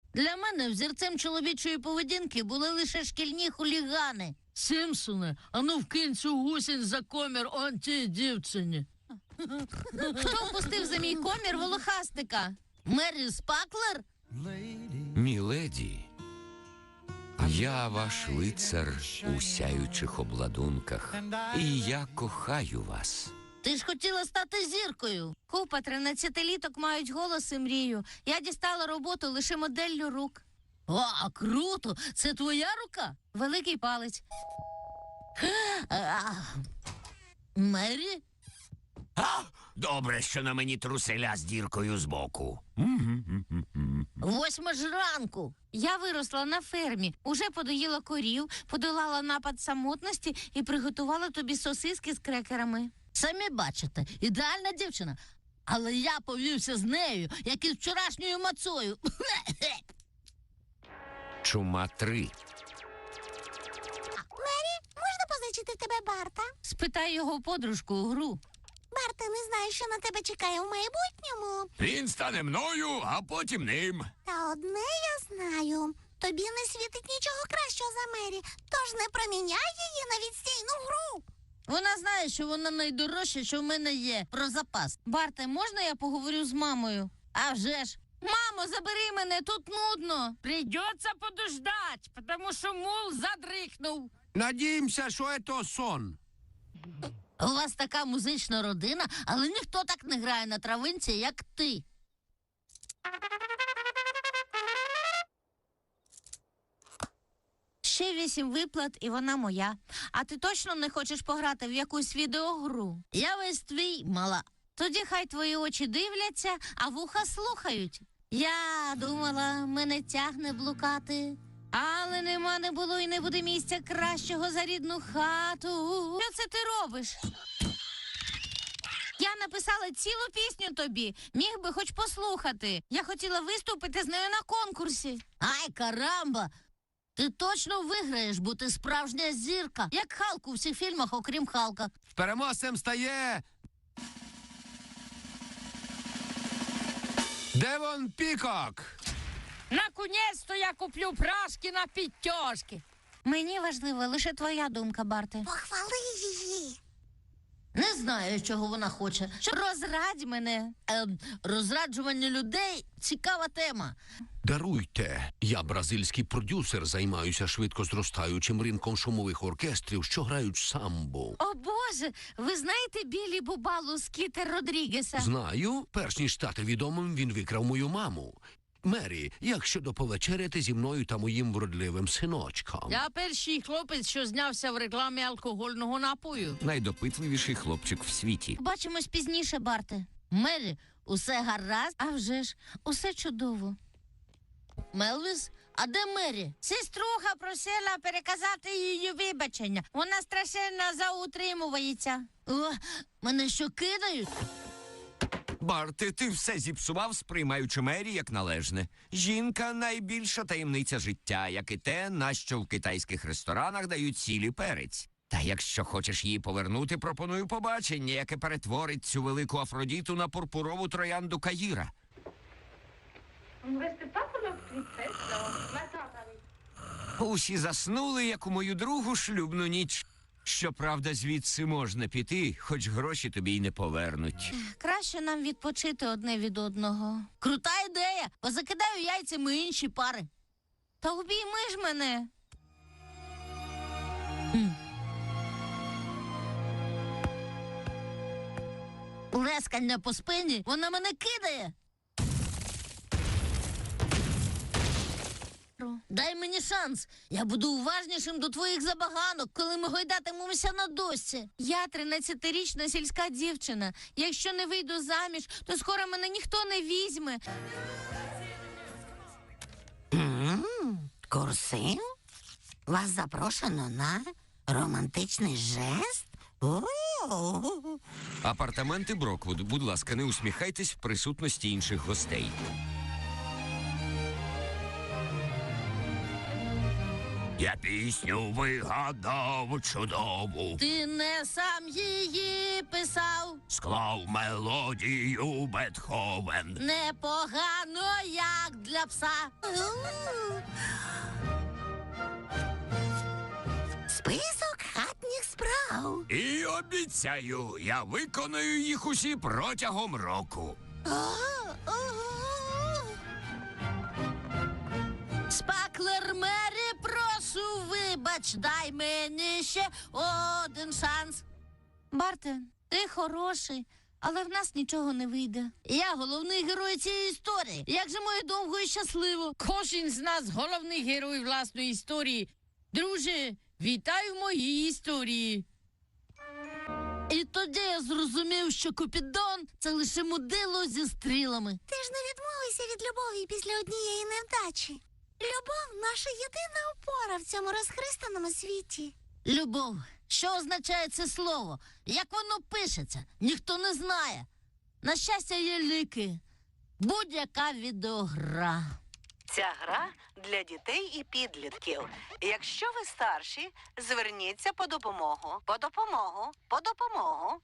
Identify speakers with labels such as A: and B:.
A: Для мене взірцем чоловічої поведінки були лише шкільні хулігани.
B: Сімпсоне, ану вкинь цю гусінь за комір он тій дівчині.
A: Хто впустив за мій комір волохастика? Мері Спаклер?
C: Міледі, я ваш лицар у сяючих обладунках, і я кохаю вас.
A: Ти ж хотіла стати зіркою. Купа 13-літок мають голос і мрію. Я дістала роботу лише моделлю рук. О, круто! Це твоя рука? Великий палець. Мері?
C: Добре, що на мені труселя з діркою збоку.
A: 8 ж ранку. Я виросла на фермі, уже подоїла корів, подолала напад самотності і приготувала тобі сосиски з крекерами. Самі бачите, ідеальна дівчина. Але я повівся з нею, як із вчорашньою мацою.
C: Чума 3.
D: Мері, можна позичити в тебе Барта?
A: Спитай його подружку у гру.
D: Барта не знає, що на тебе чекає в майбутньому.
C: Він стане мною, а потім ним.
D: Та одне я знаю. Тобі не світить нічого кращого за Мері, тож не проміняй її на відстійну гру.
A: Вона знає, що вона найдорожча, що в мене є, про запас. Барте, можна я поговорю з мамою? А вже ж. Мамо, забери мене, тут нудно.
B: Придется подождать, потому що мул задрихнув.
E: Надіємося, що це сон.
A: У вас така музична родина, але ніхто так не грає на травинці, як ти. Ще 8 виплат, і вона моя. А ти точно не хочеш пограти в якусь відеогру? Я весь твій, мала. Тоді хай твої очі дивляться, а вуха слухають. Я думала, мене тягне блукати. Але нема, не було і не буде місця кращого за рідну хату. Що це ти робиш? Я написала цілу пісню тобі. Міг би хоч послухати. Я хотіла виступити з нею на конкурсі. Ай, карамба! Ти точно виграєш, бо ти справжня зірка. Як Халк у всіх фільмах, окрім Халка.
E: Переможцем стає Девон Пікок.
B: Наконець-то я куплю прашки на підтяжки.
A: Мені важлива лише твоя думка, Барте.
D: Похвали її.
A: Не знаю, чого вона хоче. Розрадь мене. Розраджування людей – цікава тема.
E: Даруйте, я бразильський продюсер, займаюся швидко зростаючим ринком шумових оркестрів, що грають самбо.
A: О, Боже, ви знаєте Біллі Бубалу з Кітер Родрігеса?
E: Знаю, перш ніж стати відомим, він викрав мою маму. Мері, як щодо повечеряти зі мною та моїм вродливим синочком?
B: Я перший хлопець, що знявся в рекламі алкогольного напою.
C: Найдопитливіший хлопчик в світі.
A: Бачимось пізніше, Барте. Мері, усе гаразд? А вже ж, усе чудово. Мелвіс, а де Мері? Сеструха просила переказати її вибачення. Вона страшенно заутримується. О, мене що кидають?
C: Барте, ти все зіпсував, сприймаючи Мері як належне. Жінка – найбільша таємниця життя, як і те, на що в китайських ресторанах дають сіль і перець. Та якщо хочеш її повернути, пропоную побачення, яке перетворить цю велику Афродіту на пурпурову троянду Каїра. Усі заснули, як у мою другу шлюбну ніч. Щоправда, звідси можна піти, хоч гроші тобі й не повернуть.
A: Краще нам відпочити одне від одного. Крута ідея. Позакидаю яйцями інші пари. Та обійми ж мене. Лескання по спині, вона мене кидає. Дай мені шанс. Я буду уважнішим до твоїх забаганок, коли ми гойдатимемося на дошці. Я 13-річна сільська дівчина. Якщо не вийду заміж, то скоро мене ніхто не візьме.
D: Курсив? Вас запрошено на романтичний жест? О-о-о.
C: Апартаменти Броквуд. Будь ласка, не усміхайтесь в присутності інших гостей. Я пісню вигадав чудову,
A: Ти не сам її писав.
C: склав мелодію Бетховен.
A: Непогано, як для пса.
D: Список хатніх справ.
C: І обіцяю, я виконую їх усі протягом року.
A: Спаклер Мері, прошу, вибач, дай мені ще один шанс. Барте, ти хороший, але в нас нічого не вийде. Я головний герой цієї історії. Як же моє довго і щасливо.
B: Кожен з нас головний герой власної історії. Друже, вітай в моїй історії.
A: І тоді я зрозумів, що Купідон – це лише мудило зі стрілами.
D: Ти ж не відмовився від любові після однієї невдачі. Любов – наша єдина опора в цьому розхристаному світі.
A: Любов. Що означає це слово? Як воно пишеться? Ніхто не знає. На щастя, є ліки. Будь-яка відеогра.
F: Ця гра для дітей і підлітків. Якщо ви старші, зверніться по допомогу. По допомогу. По допомогу.